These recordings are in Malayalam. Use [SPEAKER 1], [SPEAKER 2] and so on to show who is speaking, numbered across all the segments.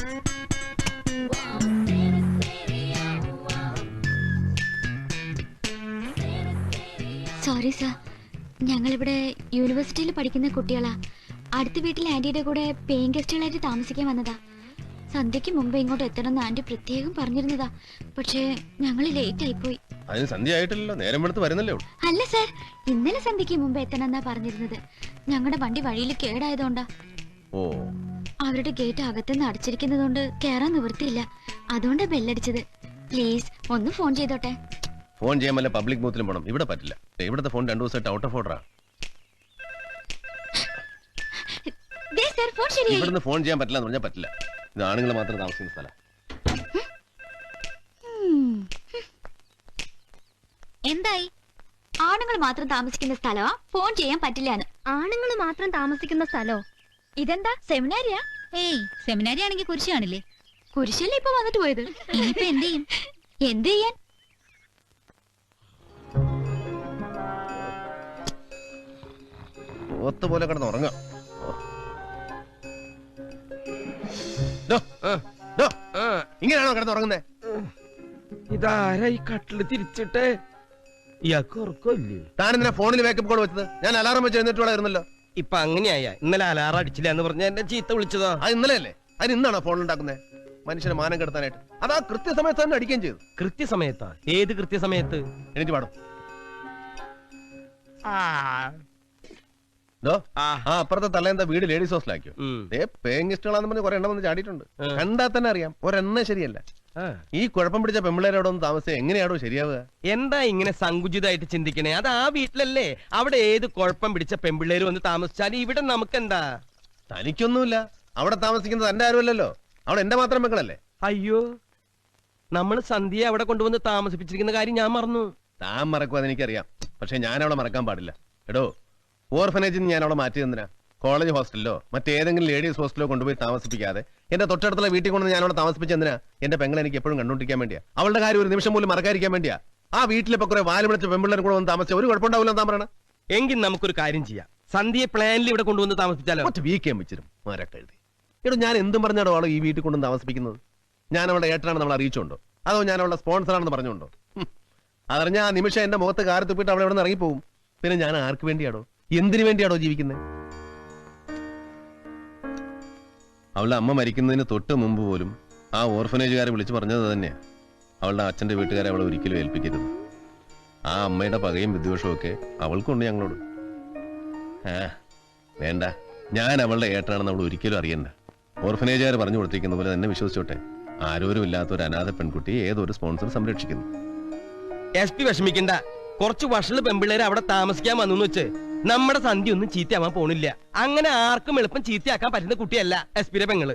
[SPEAKER 1] സോറി സാർ, ഞങ്ങളിവിടെ യൂണിവേഴ്സിറ്റിയിൽ പഠിക്കുന്ന കുട്ടികളാ. അടുത്ത വീട്ടിലെ ആന്റിയുടെ കൂടെ പേയിങ് ഗസ്റ്റുകളായിട്ട് താമസിക്കാൻ വന്നതാ. സന്ധ്യക്ക് മുമ്പ് ഇങ്ങോട്ട് എത്തണമെന്ന് ആന്റി പ്രത്യേകം പറഞ്ഞിരുന്നതാ. പക്ഷേ ഞങ്ങൾ ലേറ്റ് ആയിപ്പോയി.
[SPEAKER 2] അതിന് സന്ധ്യ ആയിട്ടില്ലല്ലോ, നേരം എടുത്ത് വരുന്നല്ലേ ഉള്ളൂ.
[SPEAKER 1] അല്ല സാർ, ഇന്നലെ സന്ധ്യക്ക് മുമ്പ് എത്തണമെന്നാ പറഞ്ഞിരുന്നത്. ഞങ്ങളുടെ വണ്ടി വഴിയിൽ കേടായതുകൊണ്ടാ.
[SPEAKER 2] ഓ,
[SPEAKER 1] അവരുടെ ഗേറ്റ് അകത്തുനിന്ന് അടച്ചിരിക്കുന്നതുകൊണ്ട് കേറാൻ നിവൃത്തിയില്ല. അതുകൊണ്ടാ ബെല്ലടിച്ചത്. പ്ലീസ് ഒന്ന് ഫോൺ ചെയ്തോട്ടെ.
[SPEAKER 2] ഫോൺ ചെയ്യാൻ വല്ല പബ്ലിക് ബൂത്തിലും പോകണം. ഇവിടെ പറ്റില്ല. ഇവിടുത്തെ ഫോൺ 2 ദിവസമായിട്ട് ഔട്ട് ഓഫ് ഓർഡറാ. ഇവിടുന്ന് ഫോൺ ചെയ്യാൻ പറ്റില്ല എന്ന് പറഞ്ഞാൽ പറ്റില്ല. ഇത് ആണുങ്ങൾ മാത്രം താമസിക്കുന്ന സ്ഥലം.
[SPEAKER 1] എന്തായി? ആണുങ്ങൾ മാത്രം താമസിക്കുന്ന സ്ഥലമാ ഫോൺ ചെയ്യാൻ പറ്റില്ലാന്ന്. ആണുങ്ങൾ മാത്രം താമസിക്കുന്ന സ്ഥലോ? ഇതെന്താ സെമിനാരിയാ?
[SPEAKER 3] ഏയ്, സെമിനാരി ആണെങ്കിൽ കുരിശ് കാണില്ലേ?
[SPEAKER 1] കുരിശല്ലേ ഇപ്പൊ വന്നിട്ട് പോയത്.
[SPEAKER 3] ഇനിയിപ്പോ എന്ത് ചെയ്യും?
[SPEAKER 1] എന്ത് ചെയ്യാൻ?
[SPEAKER 2] പോലെ കിടന്ന് ഉറങ്ങാം. ഇങ്ങനെയാണോ കിടന്ന് ഉറങ്ങുന്നേ?
[SPEAKER 4] ഇതാരാ ഈ കട്ടില് തിരിച്ചിട്ട്? ഇയാൾക്ക് ഉറക്കമില്ലേ?
[SPEAKER 2] താനെന്തിനാ ഫോണിൽ വേക്കപ്പ് കോൾ വെച്ചത്? ഞാൻ അലാറം വെച്ച് എഴുന്നേറ്റുള്ളായിരുന്നല്ലോ.
[SPEAKER 4] ഇപ്പൊ അങ്ങനെയായ? ഇന്നലെ അലാറം അടിച്ചില്ല എന്ന് പറഞ്ഞ എന്നെ ചീത്ത വിളിച്ചതോ?
[SPEAKER 2] അത് ഇന്നലെ അല്ലേ? അതിന് ഇന്നാണോ ഫോൺ ഉണ്ടാക്കുന്നത്? മനുഷ്യനെ മാനം കെടുത്താനായിട്ട്. അതാ കൃത്യസമയത്ത് തന്നെ അടിക്കുകയും ചെയ്തു.
[SPEAKER 4] കൃത്യസമയത്താ? ഏത് കൃത്യസമയത്ത്?
[SPEAKER 2] എനിക്ക് പാടും. അപ്പുറത്തെ തലേന്താ വീട് ലേഡീസ് ഹോസ്റ്റലാക്കിയോ? പേയിങ് ഗസ്റ്റുകളാന്ന് പറഞ്ഞ് കുറെ എണ്ണം വന്ന് ചാടിയിട്ടുണ്ട്. കണ്ടാൽ തന്നെ അറിയാം ഒരെണ്ണ ശരിയല്ല. ഈ കുഴപ്പം പിടിച്ച പെമ്പിള്ളേരോടെ ഒന്ന് താമസിച്ച എങ്ങനെയാണോ ശരിയാവുക?
[SPEAKER 4] എന്താ ഇങ്ങനെ സങ്കുചിതമായിട്ട് ചിന്തിക്കണേ? അത് ആ വീട്ടിലല്ലേ. അവിടെ ഏത് കുഴപ്പം പിടിച്ച പെമ്പിള്ളേര് വന്ന് താമസിച്ചാലും ഇവിടെ നമുക്കെന്താ?
[SPEAKER 2] തനിക്കൊന്നുമില്ല. അവിടെ താമസിക്കുന്നത് എന്റെ ആരുമല്ലല്ലോ. അവിടെ എന്റെ മാത്രം മക്കളല്ലേ.
[SPEAKER 4] അയ്യോ, നമ്മൾ സന്ധ്യയെ അവിടെ കൊണ്ടുവന്ന് താമസിപ്പിച്ചിരിക്കുന്ന കാര്യം ഞാൻ മറന്നു.
[SPEAKER 2] താൻ മറക്കും, അതെനിക്കറിയാം. പക്ഷെ ഞാൻ അവളെ മറക്കാൻ പാടില്ല. എടോ, ഓർഫനേജിൽ നിന്ന് ഞാൻ അവളെ മാറ്റി തന്നിനാ. കോളേജ് ഹോസ്റ്റലിലോ മറ്റേതെങ്കിലും ലേഡീസ് ഹോസ്റ്റലിലോ കൊണ്ടുപോയി താമസിപ്പിക്കാതെ എന്റെ തൊട്ടടുത്തുള്ള വീട്ടിൽ കൊണ്ട് ഞാൻ അവളെ താമസിപ്പിച്ചെന്തിനാ? എന്റെ പെങ്ങളെ എനിക്ക് എപ്പോഴും കണ്ടുകൊണ്ടിരിക്കാൻ വേണ്ടിയാ. അവളുടെ കാര്യം ഒരു നിമിഷം പോലും മറക്കാതിരിക്കാൻ വേണ്ടിയാ. ആ വീട്ടിലിപ്പോ കുറെ വാല് വിളിച്ച പെമ്പിള്ളേരും കൂടെ വന്ന് താമസിച്ച ഒരു കുഴപ്പമുണ്ടാവില്ല താൻ പറയണ.
[SPEAKER 4] എങ്കിൽ നമുക്കൊരു കാര്യം ചെയ്യാം. സന്ധ്യയെ പ്ലാനിൽ ഇവിടെ കൊണ്ടുവന്ന് താമസിപ്പിച്ചാലോ?
[SPEAKER 2] ഒറ്റ വീക്കാൻ വെച്ചിരും മരക്കെഴുതി. എടോ, ഞാൻ എന്തും പറഞ്ഞാടോ അവളെ ഈ വീട്ടിൽ കൊണ്ടുവന്ന് താമസിപ്പിക്കുന്നത്? ഞാൻ അവളുടെ ഏട്ടനാണ് നമ്മൾ അറിയിച്ചുണ്ടോ? അതോ ഞാൻ അവളുടെ സ്പോൺസറാണെന്ന് പറഞ്ഞുകൊണ്ടോ? അതറിഞ്ഞ ആ നിമിഷം എന്റെ മുഖത്ത് കാറി തുപ്പിട്ട് അവളെ ഇവിടെ നിന്ന് ഇറങ്ങിപ്പോകും. പിന്നെ ഞാൻ ആർക്ക് വേണ്ടിയാടോ, എന്തിനു വേണ്ടിയാടോ ജീവിക്കുന്നത്? അവളുടെ അമ്മ മരിക്കുന്നതിന് തൊട്ട് മുമ്പ് പോലും ആ ഓർഫനേജുകാരെ വിളിച്ചു പറഞ്ഞത് തന്നെയാണ്, അവളുടെ അച്ഛന്റെ വീട്ടുകാരെ അവളെ ഒരിക്കലും ഏൽപ്പിക്കരുത്. ആ അമ്മയുടെ പകയും വിദ്വേഷവും ഒക്കെ അവൾക്കുണ്ട് ഞങ്ങളോട്. വേണ്ട, ഞാൻ അവളുടെ ഏട്ടനാണെന്ന് അവൾ ഒരിക്കലും അറിയണ്ട. ഓർഫനേജുകാർ പറഞ്ഞു കൊടുത്തിരിക്കുന്ന പോലെ തന്നെ വിശ്വസിച്ചോട്ടെ. ആരോരും ഇല്ലാത്ത ഒരു അനാഥ പെൺകുട്ടിയെ ഏതൊരു സ്പോൺസർ സംരക്ഷിക്കുന്നു.
[SPEAKER 4] SP വിഷമിക്കണ്ട. കുറച്ച് വഷള് പെമ്പിള്ളേര് അവിടെ താമസിക്കാൻ വന്നു വെച്ച് നമ്മുടെ സന്ധ്യ ഒന്നും ചീത്തയാവാൻ പോണില്ല. അങ്ങനെ ആർക്കും എളുപ്പം ചീത്തയാക്കാൻ പറ്റുന്ന കുട്ടിയല്ല SP പെങ്ങള്.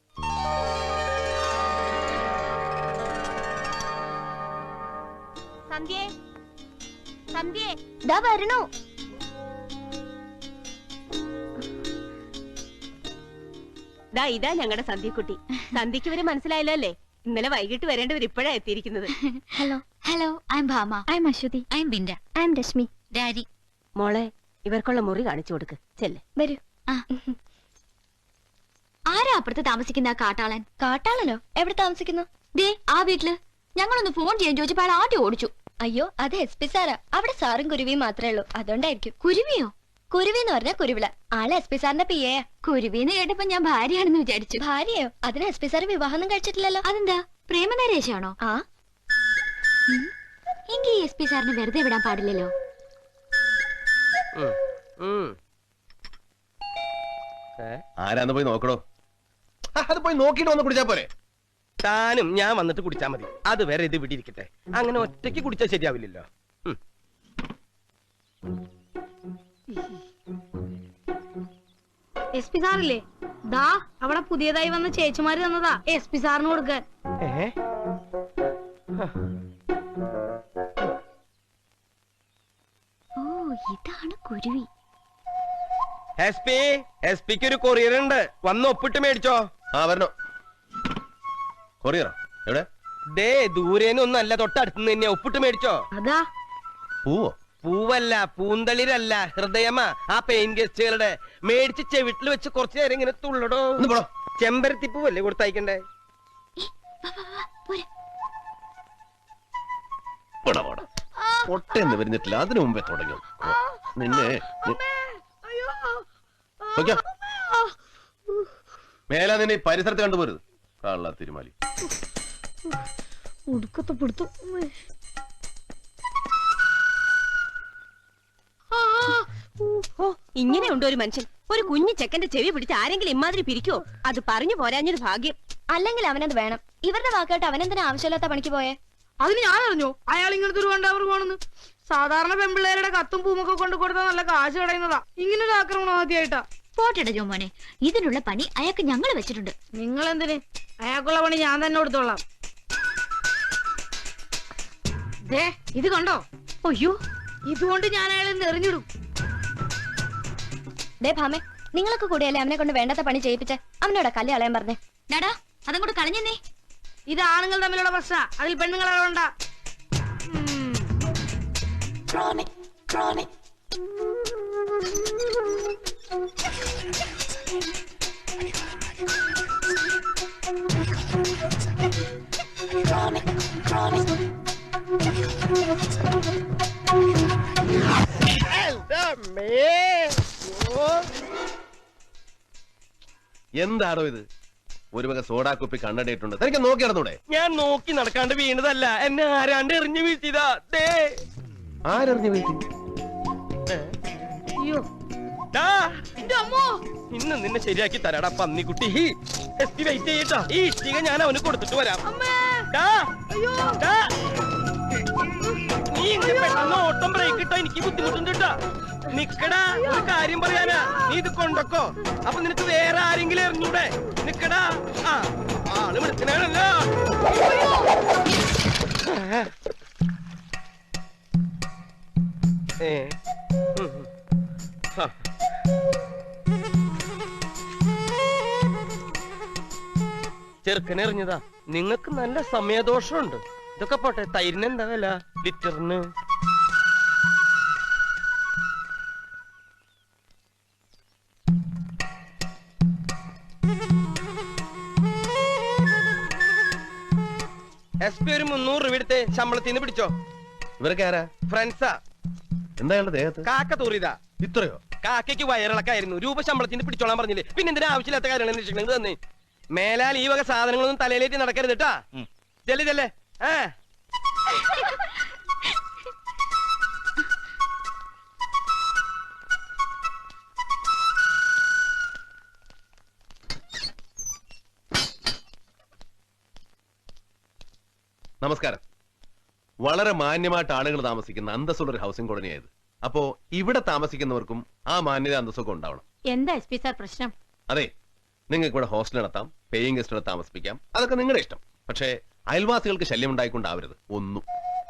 [SPEAKER 5] ഇതാ ഞങ്ങളുടെ സന്ധ്യക്കുട്ടി. സന്ധ്യക്ക് ഇവര് മനസ്സിലായല്ലോ അല്ലേ? ഇന്നലെ വൈകിട്ട് വരേണ്ടവർ ഇപ്പോഴാണ് എത്തിയിരിക്കുന്നത്.
[SPEAKER 1] Hello hello, I am Bhama. I am Ashwathy. I am Binda. I am Rashmi. Daddy.
[SPEAKER 5] മോളെ, ഇവർക്കുള്ള മുറി കാണിച്ചു കൊടുക്ക്. ചെല്ലേ,
[SPEAKER 1] വരൂ. ആരാ അപ്പുറത്ത് താമസിക്കുന്ന കാട്ടാളൻ? കാട്ടാളനോ? എവിടെ താമസിക്കുന്നു? ദേ ആ വീട്ടില്. ഞങ്ങളൊന്ന് ഫോൺ ചെയ്യാൻ ചോദിച്ചപ്പോൾ അയാൾ ആദ്യം ഓടിച്ചു. അയ്യോ, അത് SP സാറാ. അവിടെ സാറും കുരുവിയും മാത്രമേ ഉള്ളൂ, അതുകൊണ്ടായിരിക്കും. കുരുവിയോ? കുരുവി എന്ന് പറഞ്ഞാൽ കുരുവിള. ആള് SP സാറിന്റെ PA. കുരുവിന്ന് കേട്ടപ്പോ ഞാൻ ഭാര്യയാണെന്ന് വിചാരിച്ചു. ഭാര്യയോ? അതിന് SP സാറ് വിവാഹമൊന്നും കഴിച്ചിട്ടില്ലല്ലോ. അതെന്താ, പ്രേമനരേശാണോ? ആ, എങ്കിൽ SP സാറിന് വെറുതെ വിടാൻ പാടില്ലല്ലോ.
[SPEAKER 2] ആരാന്ന് പോയി നോക്കണോ? അത് പോയി നോക്കിട്ട് വന്ന് കുടിച്ചാ പോരെ?
[SPEAKER 4] താനും ഞാൻ വന്നിട്ട് കുടിച്ചാ മതി. അത് വരെ ഇത് വിടിയിരിക്കട്ടെ. അങ്ങനെ ഒറ്റയ്ക്ക് കുടിച്ചാൽ ശരിയാവില്ലല്ലോ.
[SPEAKER 6] SP സാറില്ലേ? ദാ അവിടെ പുതിയതായി വന്ന ചേച്ചിമാര് തന്നതാ SP സാറിന് കൊടുക്കാൻ.
[SPEAKER 1] ഓ, ഇതാണ് കുരുവി.
[SPEAKER 4] SP-ക്ക് ഒരു കൊറിയർ ഉണ്ട്, വന്ന് ഒപ്പിട്ട് മേടിച്ചോ.
[SPEAKER 2] ആ വരണോ? കൊറിയറോ? എവിടെ?
[SPEAKER 4] ദേ ദൂരേനൊന്നും അല്ല, തൊട്ടടുത്തുനിന്ന് തന്നെയാ. ഒപ്പിട്ട് മേടിച്ചോ.
[SPEAKER 6] അതാ.
[SPEAKER 2] പൂവോ?
[SPEAKER 4] പൂവല്ല, പൂന്തളിരല്ല, ഹൃദയമാ. ആ പെയിൻ ഗസ്റ്റുകളുടെ മേടിച്ച് ചെവിട്ടിൽ വെച്ച് കുറച്ചു നേരം ഇങ്ങനെ തുള്ളടോ. ചെമ്പരത്തിപ്പൂവല്ലേ കൊടുത്തയക്കണ്ടേ?
[SPEAKER 2] പൊട്ടെന്ന് വരുന്നിട്ടില്ല, അതിനു മുമ്പേ തുടങ്ങി നിന്നെ. മേലാ നിന്നെ ഈ പരിസരത്ത് കണ്ടുപോരുത്. കള്ള തിരുമാലി.
[SPEAKER 6] ഉടുക്കത്തെ പിടുത്തു.
[SPEAKER 5] ഇങ്ങനെയുണ്ടോ ഒരു മനുഷ്യൻ? ഒരു കുഞ്ഞു ചെക്കന്റെ ചെവി പിടിച്ച് ആരെങ്കിലും ഇമാതിരി പിരിക്കോ? അത് പറഞ്ഞു പോരാഞ്ഞൊരു ഭാഗ്യം.
[SPEAKER 1] അല്ലെങ്കിൽ അവനത് വേണം. ഇവരുടെ വാക്കായിട്ട് അവനെന്തിനാ ആവശ്യമില്ലാത്ത പണിക്ക് പോയേ?
[SPEAKER 6] അതിന് ഞാൻ അറിഞ്ഞോ അയാൾ ഇങ്ങനത്തെ ഒരു കണ്ടവർ പോണെന്ന്? സാധാരണ പെമ്പിള്ളേരുടെ കത്തും പൂമൊക്കെ കൊണ്ട് കൊടുത്താൽ നല്ല കാശ് കളയുന്നതാ. ഇങ്ങനൊരു ആക്രമണം ആദ്യമായിട്ടാ.
[SPEAKER 3] പോട്ടെടാ ജോമോനെ, ഇതിനുള്ള പണി അയാൾക്ക് ഞങ്ങൾ വെച്ചിട്ടുണ്ട്.
[SPEAKER 6] നിങ്ങൾ എന്തിന്? അയാൾക്കുള്ള പണി ഞാൻ തന്നെ കൊടുത്തോളാം. ദേ ഇത് കണ്ടോ?
[SPEAKER 3] അയ്യോ,
[SPEAKER 6] ഇതുകൊണ്ട് ഞാൻ അയാളെ എറിഞ്ഞിടും.
[SPEAKER 1] ദേ ഭാമേ, നിങ്ങളൊക്കെ കൂടിയല്ലേ അവനെ കൊണ്ട് വേണ്ടാത്ത പണി ചെയ്യിപ്പിച്ചേ? അവനോടാ കല്ല് കളയാൻ പറഞ്ഞേ.
[SPEAKER 3] ഡാടാ അതങ്ങോട്ട് കളഞ്ഞേ.
[SPEAKER 6] ഇത് ആണുങ്ങൾ തമ്മിലുള്ള പ്രശ്ന, അതിൽ പെണ്ണുങ്ങളെ വേണ്ട.
[SPEAKER 2] എന്താണോ ഇത്? ഒരു വക സോഡാ കുപ്പി കണ്ണടയിട്ടുണ്ട്. തനിക്ക് നോക്കി നടന്നൂടെ?
[SPEAKER 4] ഞാൻ നോക്കി നടക്കാണ്ട് വീണതല്ല, എന്നെ ആരാണ്ട് എറിഞ്ഞു വീഴ്ത്തിയതാ.
[SPEAKER 2] ആരെറിഞ്ഞു വീഴ്ത്തി?
[SPEAKER 6] അയ്യോ
[SPEAKER 4] ഇന്ന് നിന്നെ ശരിയാക്കി തരാടാ പന്നിക്കുട്ടി. വെയിറ്റ് ചെയ്യട്ടാ, ഈ ഇഷ്ടിക ഞാൻ അവന് കൊടുത്തിട്ട് വരാം. നീ ഇങ്ങനെ പെട്ടെന്ന് ഓട്ടം ബ്രേക്ക് ഇട്ടാ എനിക്ക് ബുദ്ധിമുട്ടുണ്ട് കേട്ടാ. നിക്കടാ, ഒരു കാര്യം പറയാനാ. നീ ഇത് കൊണ്ടൊക്കോ, അപ്പൊ നിനക്ക് വേറെ ആരെങ്കിലും എറിഞ്ഞൂടെ? നിക്കടാ. ആ ആള് വിളിക്കണല്ലോ. ചെറുക്കനെറിഞ്ഞതാ. നിങ്ങക്ക് നല്ല സമയദോഷമുണ്ട്. ഇതൊക്കെ പോട്ടെ, തൈരിന് എന്താ വില ലിറ്ററിന്? SP ഒരു 300 രൂപ എടുത്ത് ശമ്പളത്തിന് പിടിച്ചോ.
[SPEAKER 2] ഇവരൊക്കെ ആരാ?
[SPEAKER 4] ഫ്രണ്ട്സാ.
[SPEAKER 2] എന്താ അയാളുടെ ദേഹത്ത്?
[SPEAKER 4] കാക്ക തൂറിയതാ.
[SPEAKER 2] ഇത്രയോ?
[SPEAKER 4] കാക്കയ്ക്ക് വയറിളക്കായിരുന്നു. രൂപ ശമ്പളത്തിന് പിടിച്ചോളാൻ പറഞ്ഞില്ലേ, പിന്നെ എന്തിനാ ആവശ്യമില്ലാത്ത കാര്യങ്ങൾ അന്വേഷിക്കുന്നത് തന്നെ. മേലാൽ ഈ വക സാധനങ്ങളൊന്നും തലയിലേറ്റ് നടക്കരുത് കേട്ടാ. ചെല്ലേ ചെല്ലേ.
[SPEAKER 2] നമസ്കാരം. വളരെ മാന്യമായിട്ട് ആളുകൾ താമസിക്കുന്ന അന്തസ്സുള്ള ഒരു ഹൗസിംഗ് കോളനിയായത്. അപ്പോ ഇവിടെ താമസിക്കുന്നവർക്കും ആ മാന്യത അന്തസ്സൊക്കെ ഉണ്ടാവണം.
[SPEAKER 5] എന്താ SP സാർ പ്രശ്നം?
[SPEAKER 2] അതെ, നിങ്ങൾക്ക് ഇവിടെ ഹോസ്റ്റൽ നടത്താം, പേയിങ് ഗസ്റ്റിനെ താമസിപ്പിക്കാം, അതൊക്കെ നിങ്ങളുടെ ഇഷ്ടം. പക്ഷേ അയൽവാസികൾക്ക് ശല്യം ഉണ്ടായിക്കൊണ്ടാവരുത് ഒന്നും.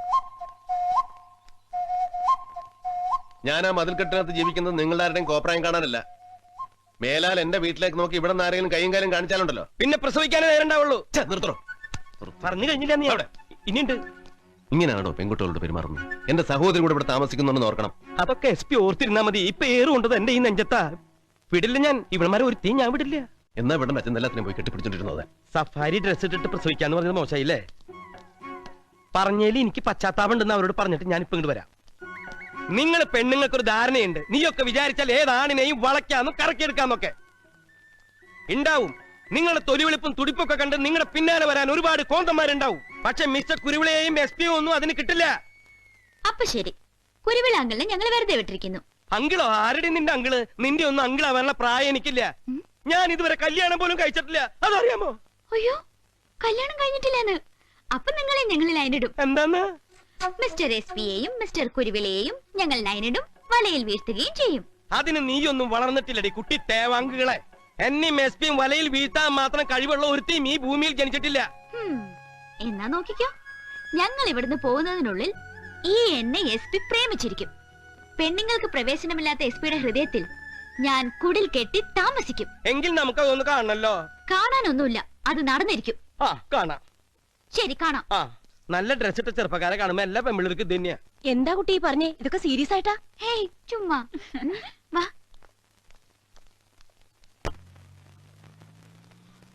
[SPEAKER 2] ഞാൻ ആ മതിൽക്കെട്ടിനകത്ത് ജീവിക്കുന്നത് നിങ്ങളുടെ ആരുടെയും കോപ്രായം കാണാനല്ല. മേലാൽ എന്റെ വീട്ടിലേക്ക് നോക്കി ഇവിടെ നിന്ന് ആരെങ്കിലും കൈയും കാര്യം കാണിച്ചാലുണ്ടല്ലോ,
[SPEAKER 4] പിന്നെ പ്രസവിക്കാനേ നേരണ്ടാവുള്ളൂ.
[SPEAKER 2] നിർത്തണോ?
[SPEAKER 4] പറഞ്ഞു കഴിഞ്ഞില്ല നീ അവിടെ. ഇനിയുണ്ട്.
[SPEAKER 2] ഇങ്ങനെയാണോ പെൺകുട്ടികളോട് പെരുമാറുന്നത്? എന്റെ സഹോദരി കൂടെ ഇവിടെ താമസിക്കുന്നുണ്ടെന്ന് ഓർക്കണം.
[SPEAKER 4] അതൊക്കെ SP ഓർത്തിരുന്നാ മതി. ഇപ്പൊ ഏറുകൊണ്ടത് എന്റെ ഈ നെഞ്ചത്താ. വിടില്ല ഞാൻ. ഇവിടെമാരെ ഒരുത്തി ഞാൻ വിടില്ല.
[SPEAKER 2] എന്നാ ഇവിടെ അച്ഛൻ എല്ലാത്തിനും പോയി കെട്ടിപ്പിടിച്ചോണ്ടിരുന്നത്.
[SPEAKER 4] സഫാരി ഡ്രസ് ഇട്ടിട്ട് പ്രസവിക്കാന്ന് പറഞ്ഞത് മോശമായില്ലേ? പറഞ്ഞേല് എനിക്ക് പശ്ചാത്താപുണ്ടെന്ന് അവരോട് പറഞ്ഞിട്ട് ഞാൻ ഇപ്പൊ ഇങ്ങോട്ട് വരാം. നിങ്ങൾ പെണ്ണുങ്ങൾക്കൊരു ധാരണയുണ്ട്. നീയൊക്കെ വിചാരിച്ചാൽ ഏതാണിനെയും വളയ്ക്കാന്നും കറക്കിയെടുക്കാന്നൊക്കെ ഉണ്ടാവും. നിങ്ങളുടെ തൊലിവെളുപ്പും തുടിപ്പൊക്കെ കണ്ട് നിങ്ങളുടെ പിന്നാലെ വരാൻ ഒരുപാട് കോന്തന്മാരുണ്ടാവും. പക്ഷെ മിസ്റ്റർ കുരുവിളയെയും SP ഒന്നും അതിന് കിട്ടില്ല.
[SPEAKER 3] അപ്പൊ ശരി, കുരുവിള അങ്കിളിനെ ഞങ്ങൾ വെറുതെ വിട്ടിരിക്കുന്നു.
[SPEAKER 4] അങ്കിളോ? ആരുടെ നിന്റെ അങ്കിള്? നിന്റെ ഒന്നും അങ്കിളാവാനുള്ള പ്രായം എനിക്കില്ല. ഞാൻ ഇതുവരെ കല്യാണം പോലും കഴിച്ചിട്ടില്ല. അതറിയാമോ?
[SPEAKER 3] അയ്യോ, കല്യാണം കഴിഞ്ഞിട്ടില്ലെന്ന്. അപ്പൊ നിങ്ങളെ ഞങ്ങൾ ലൈനിടും.
[SPEAKER 4] എന്താന്ന്?
[SPEAKER 3] മിസ്റ്റർ SP-യെയും മിസ്റ്റർ കുരുവിളയെയും ഞങ്ങൾ ലൈനിടും, വലയിൽ വീഴ്ത്തുകയും ചെയ്യും.
[SPEAKER 4] അതിന് നീയൊന്നും വളർന്നിട്ടില്ലടി കുട്ടി തേവാങ്കുകളെ. എന്നെയും SP-യും വലയിൽ വീഴ്ത്താൻ മാത്രം കഴിവുള്ള ഒരുത്തിയും ഈ ഭൂമിയിൽ ജനിച്ചിട്ടില്ല.
[SPEAKER 3] എന്നാ നോക്കിക്കോ, ഞങ്ങൾ ഇവിടുന്ന് പോകുന്നതിനുള്ളിൽ ഈ എന്നെ SP പ്രേമിച്ചിരിക്കും. പെണ്ണുങ്ങൾക്ക് പ്രവേശനമില്ലാത്ത SP-യുടെ ഹൃദയത്തിൽ ഞാൻ കുടിൽ കെട്ടി താമസിക്കും.
[SPEAKER 4] എങ്കിൽ നമുക്ക് അതൊന്ന് കാണണല്ലോ.
[SPEAKER 3] കാണാനൊന്നുമില്ല, അത് നടന്നിരിക്കും.
[SPEAKER 4] ആ കാണാം.
[SPEAKER 3] ശരി, കാണാം.
[SPEAKER 4] ആ നല്ല ഡ്രസ് ഇട്ട ചെറുപ്പക്കാരെ കാണുമ്പോ എല്ലാ പെമ്പിള്ളേർക്ക് ഇത് തന്നെയാ.
[SPEAKER 5] എന്താ കുട്ടി പറഞ്ഞേ? ഇതൊക്കെ സീരിയസ് ആയിട്ടാ?
[SPEAKER 3] ഹേയ്, ചുമ്മാ വാ.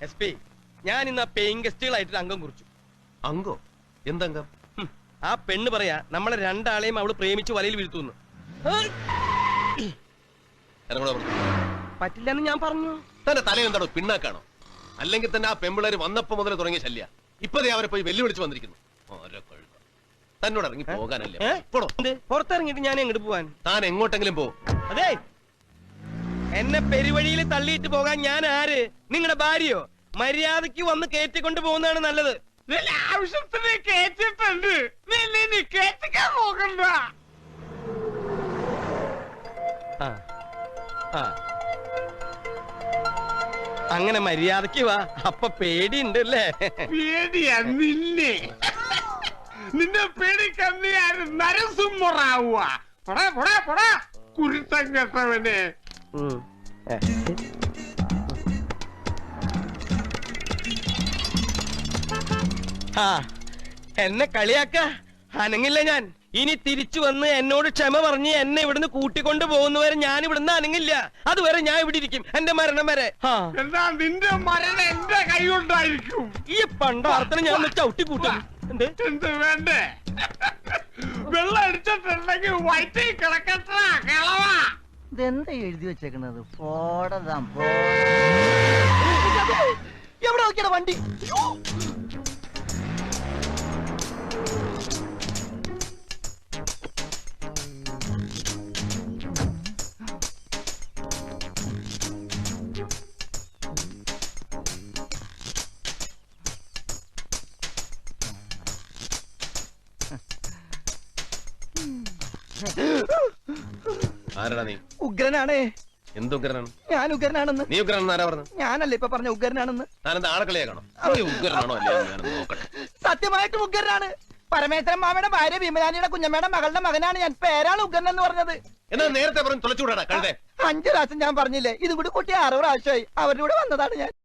[SPEAKER 4] എസ് പി, ഞാൻ ഇന്ന് ആ പേയിങ് ഗസ്റ്റുകളായിട്ട് അംഗം കുറിച്ചു.
[SPEAKER 2] അങ്കോ? എന്തംഗം?
[SPEAKER 4] ആ പെണ്ണ് പറയാ നമ്മളെ രണ്ടാളെയും അവള് പ്രേമിച്ച് വലയിൽ വീഴ്ത്തുന്നു. പറ്റില്ലെന്ന് ഞാൻ പറഞ്ഞു.
[SPEAKER 2] തന്റെ തല എന്താണോ പിണ്ണാക്കാണോ? അല്ലെങ്കിൽ തന്നെ ആ പെമ്പിളേര് വന്നപ്പോ മുതൽ തുടങ്ങിയ ശല്യ. ഇപ്പതേ അവരെ പോയി വെല്ലുവിളിച്ച് വന്നിരിക്കുന്നു. തന്നോട് ഇറങ്ങി പോകാനല്ലേ?
[SPEAKER 4] പുറത്തിറങ്ങിട്ട് ഞാൻ എങ്ങോട്ട് പോവാൻ?
[SPEAKER 2] താൻ എങ്ങോട്ടെങ്കിലും പോ.
[SPEAKER 4] അതെ, എന്നെ പെരുവഴിയിൽ തള്ളിയിട്ട് പോകാൻ ഞാൻ ആര്? നിങ്ങളുടെ ഭാര്യയോ? മര്യാദക്ക് വന്ന് കയറ്റിക്കൊണ്ട് പോകുന്നതാണ് നല്ലത്.
[SPEAKER 7] ആവശ്യത്തിന് കേറ്റിട്ടുണ്ട്, കേറ്റിക്കാൻ നോക്കണ്ട.
[SPEAKER 4] അങ്ങനെ മര്യാദക്ക് വാ. അപ്പൊ പേടിയുണ്ട് അല്ലേ?
[SPEAKER 7] പേടിയാ നിന്നെ? നിന്നെ പേടിക്കാൻ നീ ആര് നരസിംഹറാവുക? കുരുത്തം കെട്ടവനെ.
[SPEAKER 4] എന്നെ കളിയാക്ക അനങ്ങില്ല ഞാൻ. ഇനി തിരിച്ചു വന്ന് എന്നോട് ക്ഷമ പറഞ്ഞ് എന്നെ ഇവിടുന്ന് കൂട്ടിക്കൊണ്ട് പോകുന്നവരെ ഞാൻ ഇവിടുന്ന് അനങ്ങില്ല. അതുവരെ ഞാൻ ഇവിടെ ഇരിക്കും, എന്റെ മരണം വരെ.
[SPEAKER 7] എന്താ നിന്റെ മരണം എന്റെ കൈ കൊണ്ടായിരിക്കും.
[SPEAKER 4] ഈ പണ്ടാർത്തനെ ഞാൻ ചവിട്ടി കൂട്ടും.
[SPEAKER 7] എന്ത് വേണ്ടേ? വെള്ളം അടിച്ചിട്ടുണ്ടെങ്കിൽ വയറ്റിൽ കിടക്കട്ടാ കിളവാ.
[SPEAKER 8] ഇതെന്താ എഴുതി വെച്ചേക്കണത്? പോടതാം
[SPEAKER 4] എവിടെ നോക്കിയാ വണ്ടി?
[SPEAKER 2] ആരടാ നീ?
[SPEAKER 8] ഉഗ്രനാണേ.
[SPEAKER 2] എന്തുഗ്രനാണ്?
[SPEAKER 8] ഞാൻ ഉഗ്രനാണെന്ന്.
[SPEAKER 2] നീ ഉഗ്രനാണെന്ന് ആരാ പറഞ്ഞു?
[SPEAKER 8] ഞാനല്ലേ ഇപ്പൊ പറഞ്ഞ ഉഗ്രനാണെന്ന്.
[SPEAKER 2] ഞാനെന്താ ആളെക്കളിയാക്കണോ? ഉഗ്രനാണോ അല്ലേ ഞാൻ നോക്കട്ടെ.
[SPEAKER 8] സത്യമായിട്ടും ഉഗ്രനാണ്. പരമേശ്വരൻ മാമയുടെ ഭാര്യ ഭീമരാനിയുടെ കുഞ്ഞമ്മയുടെ മകളുടെ മകനാണ് ഞാൻ. പേരാണ് ഉഗ്രൻ എന്ന് പറഞ്ഞത്.
[SPEAKER 2] എന്നാ നേരത്തെ പറഞ്ഞു തുളച്ചുകൂടാ കഴുതേ.
[SPEAKER 8] 5 പ്രാവശ്യം ഞാൻ പറഞ്ഞില്ലേ? ഇതും കൂടി കൂട്ടി 6 പ്രാവശ്യമായി. അവരുടെ കൂടെ വന്നതാണ് ഞാൻ.